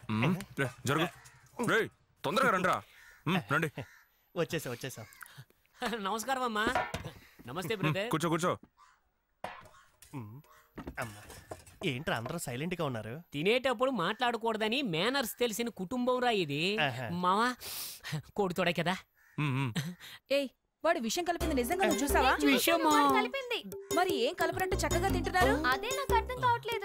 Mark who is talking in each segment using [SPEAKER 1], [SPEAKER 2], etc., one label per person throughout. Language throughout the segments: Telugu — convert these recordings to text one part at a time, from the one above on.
[SPEAKER 1] జరుగు రేయ్ తొందరగా రండిరా రండి
[SPEAKER 2] వచ్చేసా
[SPEAKER 3] నమస్కారం అమ్మా. నమస్తే బ్రదర్.
[SPEAKER 1] కూర్చో
[SPEAKER 2] అమ్మా ఏంట్రా అందరూ సైలెంట్ గా ఉన్నారు?
[SPEAKER 3] తినేటప్పుడు మాట్లాడకూడదని మేనర్స్ తెలిసిన కుటుంబం రా ఇది. మావా కొడుతోడే కదా.
[SPEAKER 4] ఏయ్ వాడు విషయం కలిపింది నిజంగా నువ్వు చూసావా?
[SPEAKER 3] విషయమా?
[SPEAKER 4] కలిపింది. మరి ఏం కలపరంటూ చక్కగా తింటున్నారు?
[SPEAKER 5] అదే నాకు అర్థం కావట్లేదు.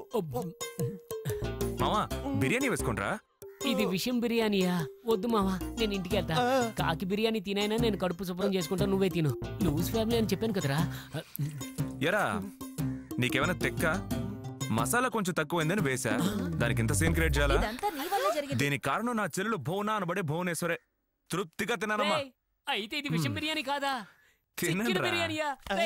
[SPEAKER 1] మావా బిర్యానీ వేసుకుంట్రా.
[SPEAKER 3] ఇది విషయం బిర్యానీయా? వద్దు మావా, నేను ఇంటికి వెళ్తా. కాకి బిర్యానీ తినైనా నేను కడుపు శుభ్రం చేసుకుంటా, నువ్వే తిను. లూజ్ ఫ్యామిలీ అని చెప్పాను కదరా.
[SPEAKER 1] ఎరా నీకేమైనా తెక్క? మసాలా కొంచెం తక్కువైందని వేసా, దానికి ఇంత సీన్ క్రియేట్ చేయాలా? దీనికి కారణం నా చెల్లెలు భువనా అనబడే భువనేశ్వరే. తృప్తిగా తిన్నానమ్మా.
[SPEAKER 3] అయితే ఇది విషయం బిర్యానీ కాదా?
[SPEAKER 1] తినరా.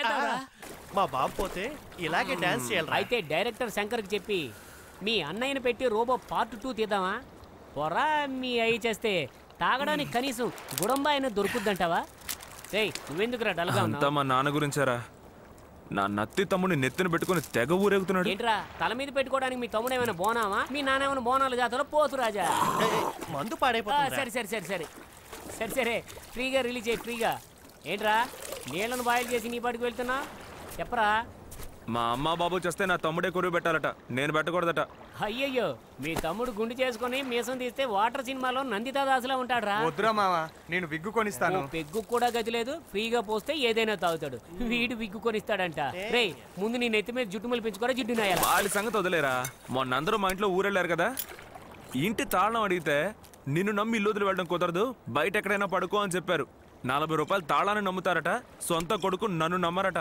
[SPEAKER 2] మా బాబు పోతే ఇలాగే డాన్స్ చేయాలి.
[SPEAKER 3] అయితే డైరెక్టర్ శంకర్ కి చెప్పి మీ అన్నయ్యని పెట్టి రోబో పార్ట్ 2 తీద్దామా? పొరా మీ అయ్యి చేస్తే తాగడానికి కనీసం గుడంబా అయినా దొరుకుద్దంటావా? రేయ్ నువ్వెందుకురా డల్గా ఉన్నావు?
[SPEAKER 1] అంతా మా నాన్న గురించారా? నా నత్తి తమ్ముడిని నెత్తిన పెట్టుకుని తెగ ఊరేగుతున్నాడు.
[SPEAKER 3] ఏంట్రా తల మీద పెట్టుకోవడానికి మీ తమ్ముడు ఏమైనా బోనామా? మీ నాన్న ఏమైనా బోనాల జాతరలో పోతు రాజా.
[SPEAKER 2] మందు పాడైపోతుంది.
[SPEAKER 3] సరే ఫ్రీగా రిలీజ్ అయ్యి ఫ్రీగా. ఏంట్రా నీళ్లను బాయిల్ చేసి నీ పాటికి వెళ్తున్నా? చెప్పరా.
[SPEAKER 1] మా అమ్మ బాబు చేస్తే నా తమ్ముడే కొరువు పెట్టాలట, నేను పెట్టకూడదట.
[SPEAKER 3] అయ్యయ్యో మీ తమ్ముడు గుండు చేసుకుని మీసం తీస్తే వాటర్ సినిమాలో నందితా దాసులా ఉంటాడ్రా.
[SPEAKER 6] వద్దురా మావా, నేను విగ్గు కొనిస్తాను.
[SPEAKER 3] పెగ్గు కూడా గతి లేదు, ఫ్రీగా పోస్తే ఏదైనా తాగుతాడు. వీడు విగ్గు కొనిస్తాడంట. రే ముందు నీ నెత్తి మీద జుట్టు మలిపించుకోరా, జుట్టు నాయాల.
[SPEAKER 1] వాళ్ళ సంగతి వదిలేరా. మొన్న అందరూ మా ఇంట్లో ఊరెళ్ళారు కదా, ఇంటి తాళం అడిగితే నిన్ను నమ్మి ఇల్లు వదిలి వెళ్ళడం కుదరదు, బయట ఎక్కడైనా పడుకో అని చెప్పారు. 40 రూపాయలు తాళాన్ని నమ్ముతారట, సొంత కొడుకు నన్ను నమ్మరట.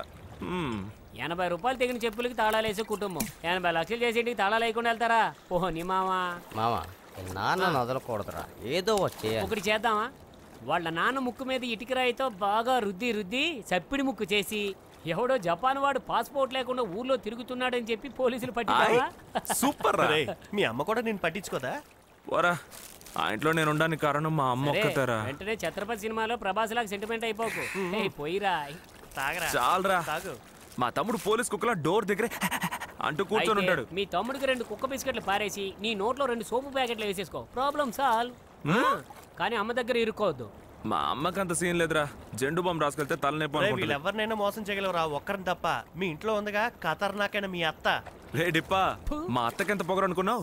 [SPEAKER 3] 80 రూపాయలు తెగిన చెప్పులకి తాళాలేసే కుటుంబం 80 లక్షలు చేసి ఇంటికి తాళాలు లేకుండా వెళ్తారా? ఓహో నీ మావా.
[SPEAKER 7] నాన్న వదలకూడదురా, ఏదో
[SPEAKER 3] ఒకటి చేద్దామా? వాళ్ళ నాన్న ముక్కు మీద ఇటుకరాయితో బాగా రుద్ది సప్పిడి ముక్కు చేసి ఎవడో జపాన్ వాడు పాస్పోర్ట్ లేకుండా ఊర్లో తిరుగుతున్నాడని చెప్పి పోలీసులు పట్టించావా?
[SPEAKER 1] సూపర్.
[SPEAKER 2] మీ అమ్మ కూడా నేను పట్టించుకోదా?
[SPEAKER 1] పోరా, ఆ ఇంట్లో నేను ఉండడానికి కారణం మా అమ్మ ఒక్కతారా.
[SPEAKER 3] వెంటనే ఛత్రపతి సినిమాలో ప్రభాస్ లాగా సెంటిమెంట్ అయిపోకు. పోయిరా
[SPEAKER 1] చాలరా. మా తమ్ముడు పోలీస్ కుక్కలా డోర్ దగ్గరే అంటూ కూర్చొని ఉంటాడు.
[SPEAKER 3] మీ తమ్ముడికి 2 కుక్క బిస్కెట్లు పారేసి నీ నోట్లో 2 సోపు ప్యాకెట్లు వేసేసుకో, ప్రాబ్లం సాల్వ్. కానీ అమ్మ దగ్గర ఇరుక్కోవద్దు.
[SPEAKER 1] మా అమ్మకి అంత సీన్ లేదురా, జెండు బాంబు రాసుకెళ్తే తలనొప్పి.
[SPEAKER 2] వీళ్ళెవరినైనా మోసం చేయగలవురా, ఒక్కరిని తప్ప. మీ ఇంట్లో ఉందిగా ఖతర్నాకైనా మీ అత్త.
[SPEAKER 1] రే డిప్పా, మా అత్తకి ఎంత పొగరు అనుకున్నావు?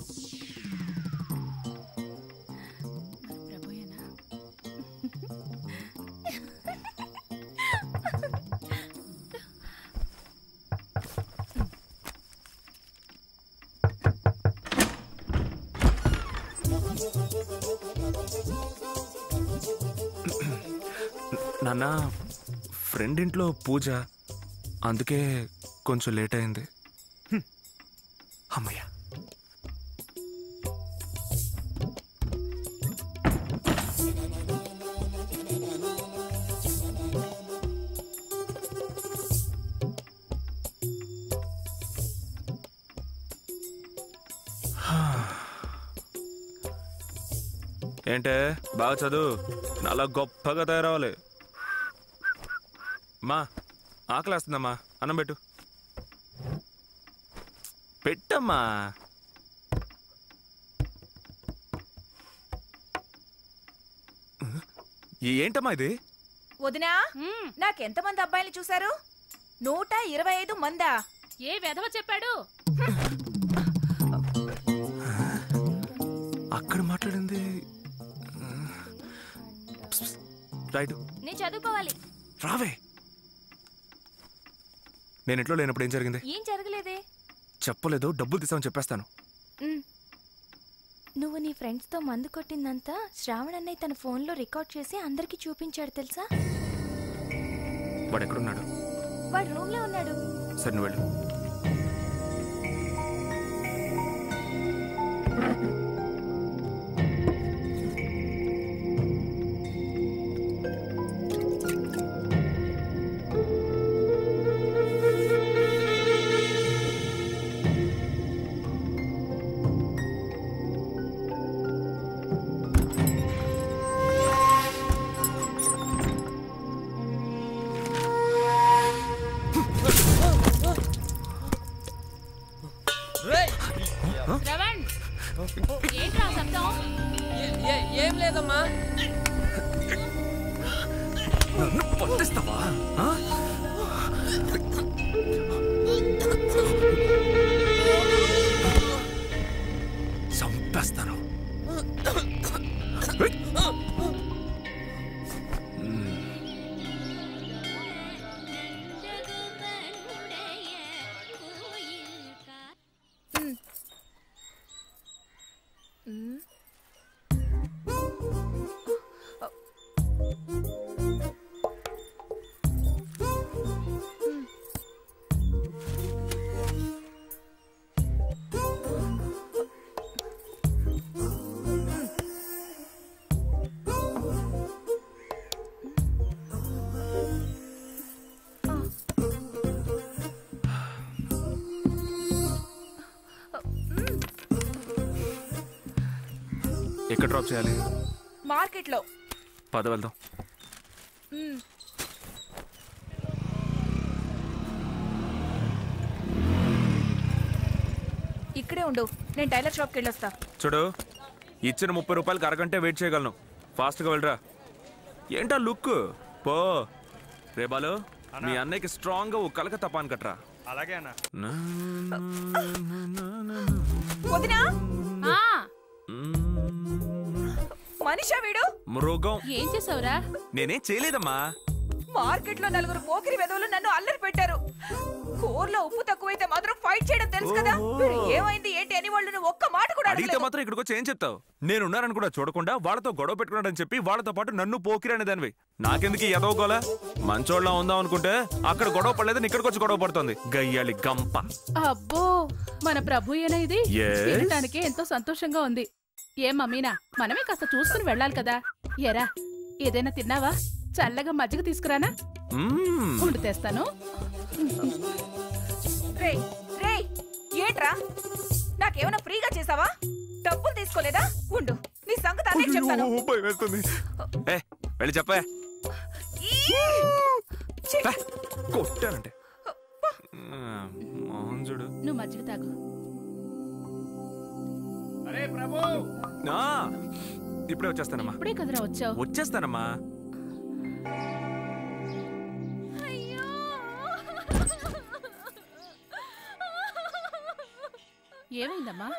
[SPEAKER 1] నాన్న ఫ్రెండ్ ఇంట్లో పూజ, అందుకే కొంచెం లేట్ అయింది. అమ్మయ్య. ఏంటే బాగా చదువు, చాలా గొప్పగా తయారవ్వాలి. మా ఆకలేస్తుందమ్మా, అన్నం పెట్టు. పెట్టమ్మా. ఏంటమ్మా ఇది?
[SPEAKER 4] వదినా, నాకెంతమంది అబ్బాయిలు చూశారు? 125 మందా?
[SPEAKER 5] ఏ వెధవ చెప్పాడు?
[SPEAKER 1] అక్కడ మాట్లాడింది రైట్.
[SPEAKER 5] నేను చదువుకోవాలి.
[SPEAKER 1] రావే. నేను ఇంట్లో లేనప్పుడు ఏం జరిగింది?
[SPEAKER 5] ఏం జరగలేదే.
[SPEAKER 1] చెప్పలేదు, డబ్బులు తీసామని చెప్పేస్తాను.
[SPEAKER 5] నువ్వు నీ ఫ్రెండ్స్ తో మందు కొట్టిందంతా శ్రావణ్ అన్నయ్య తన ఫోన్ లో రికార్డ్ చేసి అందరికి చూపించాడు తెలుసా?
[SPEAKER 1] వాడు ఎక్కడున్నాడు?
[SPEAKER 5] వాడు రూమ్ లో ఉన్నాడు.
[SPEAKER 1] సరే నువ్వు వెళ్ళు.
[SPEAKER 4] ఏంట్రా శబ్దం?
[SPEAKER 8] ఏం లేదమ్మా.
[SPEAKER 1] నన్ను పట్టిస్తావా? చంపేస్తాను. ఎక్కడ డ్రాప్ చేయాలి?
[SPEAKER 4] మార్కెట్ లో.
[SPEAKER 1] పద వెళ్దాం.
[SPEAKER 4] ఇక్కడే ఉండు, నేను టైలర్ షాప్కి వెళ్ళొస్తా.
[SPEAKER 1] చూడు, ఇచ్చిన 30 రూపాయలకి అరగంటే వెయిట్ చేయగలను. ఫాస్ట్గా వెళ్ళరా. ఏంటా లుక్? పో. రే బాలు, మీ అన్నయ్యకి స్ట్రాంగ్ గా ఓ కలకత్తా పాన్ కట్రా.
[SPEAKER 6] అలాగే అన్న.
[SPEAKER 4] వదినా, మనిషా వీడు?
[SPEAKER 1] మృగం.
[SPEAKER 4] ఏం చేసావురా?
[SPEAKER 1] నేనేం చేయలేదమ్మా.
[SPEAKER 4] మార్కెట్ లో 4 పోకిరి వెధవులు నన్ను అల్లరి పెట్టారు. కూరలో ఉప్పు తక్కువైతే మాత్రం ఫైట్ చేయడం తెలుసు కదా. వీడు ఏమైంది ఏంటి అని వాళ్ళు ఒక్క మాట కూడా
[SPEAKER 1] అడిగితే
[SPEAKER 4] అడగలేదు.
[SPEAKER 1] మాత్రం ఇక్కడికి వచ్చి ఏం చెప్తావు? నేనున్నారని కూడా చూడకుండా వాళ్ళతో గొడవ పెట్టుకున్నాడని చెప్పి వాళ్ళతో పాటు నన్ను పోకిరి అనేదానివి. నాకెందుకు ఎదవగోలా? మంచోళ్ళ ఉందాం అనుకుంటే అక్కడ గొడవ పడలేదని ఇక్కడికి వచ్చి గొడవ పడుతుంది. గయ్యాలి గంప.
[SPEAKER 9] అబ్బో, మన ప్రభు ఏనా ఇది?
[SPEAKER 1] Yes.
[SPEAKER 9] వినటానికి ఎంతో సంతోషంగా ఉంది. ఏం మమ్మీనా, మనమే కాస్త చూసుకుని వెళ్ళాలి కదా. ఎరా, ఏదైనా తిన్నావా? చల్లగా మజ్జిగ తీసుకురానా? ఉండు తెస్తాను.
[SPEAKER 4] రేయ్, రేయ్, ఏంట్రా? నాకేమైనా ఫ్రీగా చేసావా? డబ్బులు తీసుకోలేదా? ఉండు, నీ సంగతి అదే చెప్తాను.
[SPEAKER 1] వెళ్ళి చెప్పే. కొట్టానంటే మోహన్జుడు.
[SPEAKER 9] నువ్వు మజ్జిగ తాగు.
[SPEAKER 1] ఇప్పుడే వచ్చేస్తానమ్మా.
[SPEAKER 9] ఇప్పుడే కదరా వచ్చావు?
[SPEAKER 1] వచ్చేస్తానమ్మా.
[SPEAKER 9] ఏమైందమ్మా?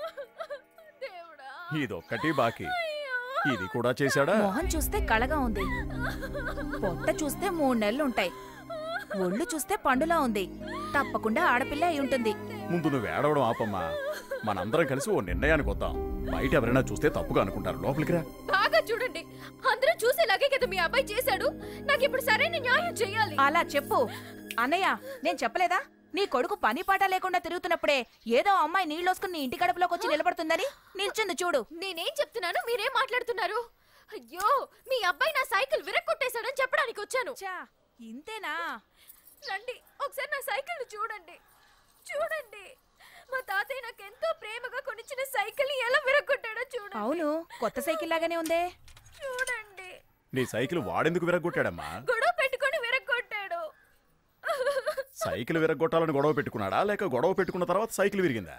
[SPEAKER 10] ఇదొక్కటి బాకీ. ఇది కూడా చేశాడా?
[SPEAKER 4] మొహం చూస్తే కళగా ఉంది, పొట్ట చూస్తే 3 నెలలు ఉంటాయి, ఒళ్ళు చూస్తే పండులా ఉంది. తప్పకుండా ఆడపిల్ల అయి ఉంటుంది.
[SPEAKER 10] ముందు నువ్వు ఏడవడం ఆపమ్మా. మనందరం కలిసి ఓ నిర్ణయానికి వద్దాం. బయట ఎవరైనా చూస్తే తప్పుగా అనుకుంటారు. లోపలికి రా.
[SPEAKER 5] బాగా చూడండి, అందరూ చూసేలాగే కదా మీ అబ్బాయి చేశాడు. నాకు ఇప్పుడు సరైన న్యాయం చేయాలి.
[SPEAKER 4] అలా చెప్పు అన్నయ్య. నేను చెప్పలేదా నీ కొడుకు పని పాట లేకుండా తిరుగుతున్నప్పుడే ఏదో అమ్మాయి నీళ్ళొసుకుని నీ ఇంటి గడపలోకి వచ్చి నిలబడుతుందని? నిల్చుంది చూడు.
[SPEAKER 5] నేనేం చెప్తున్నాను, మీరేం మాట్లాడుతున్నారు? అయ్యో, మీ అబ్బాయి నా సైకిల్ విరక్కొట్టేశాడని చెప్పడానికి వచ్చాను.
[SPEAKER 4] ఇంతేనా?
[SPEAKER 5] రండి, ఒకసారి నా సైకిల్ చూడండి. చూడండి, మా తాతయ్య నాకు ఎంతో ప్రేమగా కొనిచ్చిన సైకిల్ ఎలా విరగొట్టాడో చూడండి.
[SPEAKER 4] అవును, కొత్త సైకిల్ లాగానే ఉందే.
[SPEAKER 5] చూడండి.
[SPEAKER 10] నీ సైకిల్ వాడెందుకు విరగొట్టాడమ్మా?
[SPEAKER 5] గొడవ పెట్టుకొని విరగొట్టాడు.
[SPEAKER 10] సైకిల్ విరగొట్టాలని గొడవ పెట్టుకున్నాడా, లేక గొడవ పెట్టుకున్న తర్వాత సైకిల్ విరిగిందా?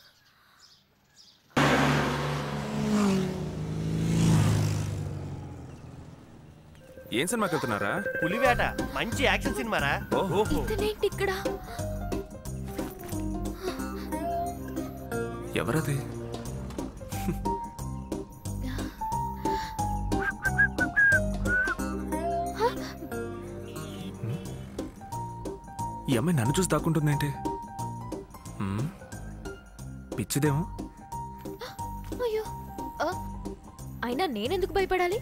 [SPEAKER 1] ఏం సినిమాకి వెళ్తున్నారా?
[SPEAKER 2] పులివేట. మంచి యాక్షన్ సినిమారా.
[SPEAKER 5] ఇతనేంటి ఇక్కడ?
[SPEAKER 1] ఎవరది? ఈ అమ్మాయి నన్ను చూసి దాక్కుంటుందేంటి? పిచ్చిదేమో.
[SPEAKER 5] అయ్యో, అయినా నేనెందుకు భయపడాలి?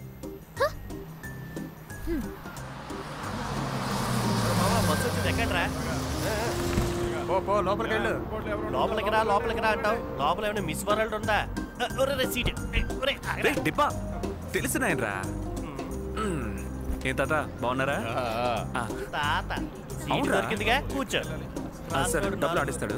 [SPEAKER 2] బస్సు వచ్చింది, ఎక్కడ్రా? లోపలికి రా, లోపలికి రా అంటావు. లోపల ఏమైనా మిస్ వరల్డ్ ఉందా? సీట్
[SPEAKER 1] డిబ్బా తెలిసినాయనరా. ఏం తాత బాగున్నారా?
[SPEAKER 2] తాత సీట్ దొరికిందిగా, కూర్చో.
[SPEAKER 1] సరే, డబ్బులు ఆడిస్తాడు.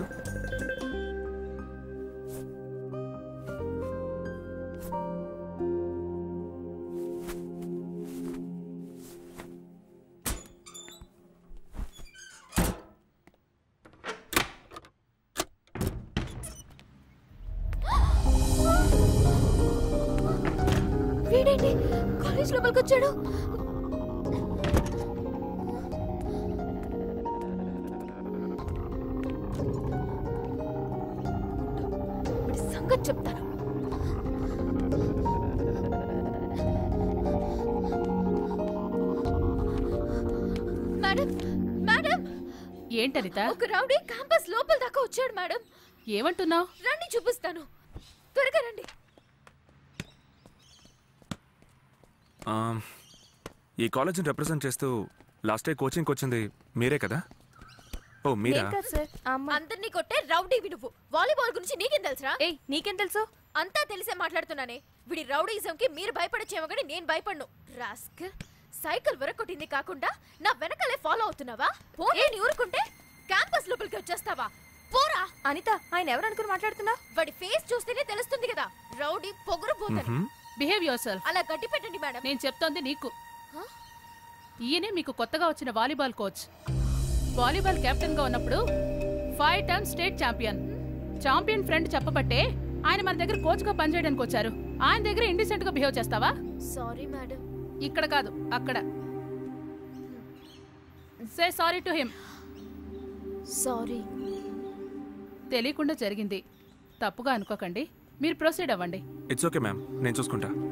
[SPEAKER 5] ఏంటి కాలేజ్ లోపలికి వచ్చాడు? వీడి సంగతి చెప్తాను. మేడం మేడం,
[SPEAKER 9] ఏంటనిత?
[SPEAKER 5] ఒక రౌడీ క్యాంపస్ లోపల దాకా వచ్చాడు మేడం.
[SPEAKER 9] ఏమంటున్నావు?
[SPEAKER 5] రండి చూపిస్తాను, త్వరగా రండి.
[SPEAKER 1] ఈ కాలేజ్ని రిప్రజెంట్ చేస్తూ లాస్ట్ డే కోచింగ్కి వచ్చింది మీరే కదా? ఓ మీరా?
[SPEAKER 5] అందరినీ కొట్టే రౌడీ నువ్వు. వాలీబాల్ గురించి నీకేం తెలుసురా?
[SPEAKER 4] ఏయ్ నీకేం తెలుసు?
[SPEAKER 5] అంతా తెలిసే మాట్లాడుతున్నానే. వీడి రౌడీజంకి మీరు భయపడచ్చేమో కానీ నేను భయపడను. రాస్కల్, సైకిల్ వెరకొట్టింది కాకుండా నా వెనకాలే ఫాలో అవుతున్నావా? పోనీ ఊరుకుంటే క్యాంపస్ లోపలికి వచ్చేస్తావా? పోరా.
[SPEAKER 4] అనిత, ఆయన ఎవరు అనుకుని మాట్లాడుతున్నా?
[SPEAKER 5] వాడి ఫేస్ చూస్తేనే తెలుస్తుంది కదా, రౌడీ పొగరు పోతాను.
[SPEAKER 9] Behave yourself.
[SPEAKER 5] అలా గట్టి పెట్టండి మేడం.
[SPEAKER 9] నేను చెప్తోంది నీకు. ఈయనే మీకు కొత్తగా వచ్చిన వాలీబాల్ కోచ్. వాలీబాల్ కెప్టెన్ గా ఉన్నప్పుడు 5 టైమ్స్ స్టేట్ ఛాంపియన్ ఫ్రెండ్ చెప్పబట్టే ఆయన మన దగ్గర కోచ్ గా పనిచేయడానికి వచ్చారు. ఆయన దగ్గర ఇండిసెంట్ గా బిహేవ్ చేస్తావా?
[SPEAKER 5] Sorry madam.
[SPEAKER 9] ఇక్కడ కాదు, అక్కడ. Say sorry to him.
[SPEAKER 5] Sorry.
[SPEAKER 9] తెలియకుండా జరిగింది, తప్పుగా అనుకోకండి. మీరు ప్రొసీడ్ అవ్వండి.
[SPEAKER 1] ఇట్స్ ఓకే మ్యామ్, నేను చూసుకుంటా.